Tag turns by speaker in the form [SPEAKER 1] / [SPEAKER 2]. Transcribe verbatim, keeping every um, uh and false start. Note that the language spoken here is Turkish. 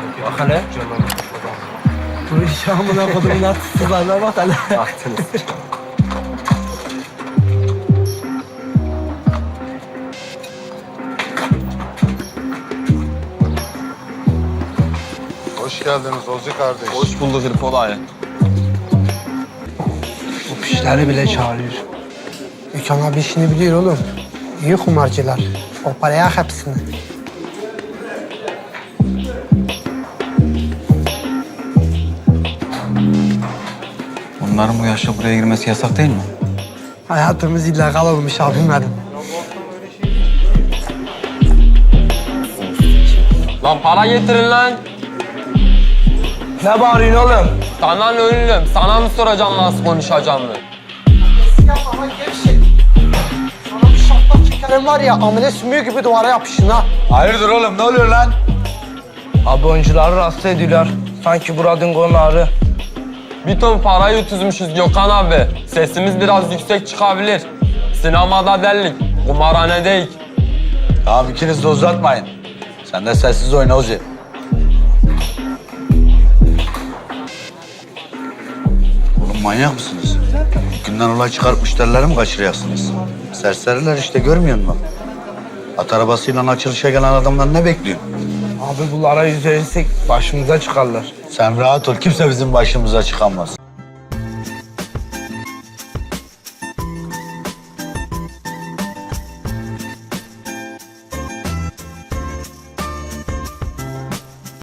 [SPEAKER 1] Bak hele.
[SPEAKER 2] Bu iş amına kodumun artistlerine bak hele.
[SPEAKER 1] Baktınız.
[SPEAKER 3] Hoş geldiniz Ozi kardeş.
[SPEAKER 4] Hoş bulduk Hırpol ağaya.
[SPEAKER 2] Bu pişleri bile çağırıyor. Gökhan abi işini biliyor oğlum. İyi kumarcılar. O paraya hepsini.
[SPEAKER 4] Bunların bu yaşta buraya girmesi yasak değil mi?
[SPEAKER 2] Hayatımız illegal olmuş abim benim.
[SPEAKER 5] Lan para getirin lan.
[SPEAKER 1] Ne bağırıyorsun oğlum?
[SPEAKER 5] Sana ne ölüm? Sana mı soracağım nasıl konuşacağım mı?
[SPEAKER 2] Yapma gevşek. Sana bir şaplak çekerim var ya amele sümüğü gibi duvara yapışın ha.
[SPEAKER 4] Hayırdır oğlum, ne oluyor lan?
[SPEAKER 1] Abi oyuncuları rahatsız ediyorlar. Sanki buradın konağı.
[SPEAKER 5] Bir ton parayı utuzmuşuz Gökhan abi. Sesimiz biraz yüksek çıkabilir. Sinemada delik, kumarhanedeyik.
[SPEAKER 4] Tamam, ikiniz de uzatmayın. Sen de sessiz oyna Ozi. Oğlum manyak mısınız? Günden olay çıkarıp müşterileri mi kaçırıyorsunuz? Serseriler işte, görmüyor musun? At arabasıyla açılışa gelen adamlar ne bekliyor?
[SPEAKER 1] Abi bunlara yüz verirsek başımıza çıkarlar.
[SPEAKER 4] Sen rahat ol, kimse bizim başımıza çıkamaz.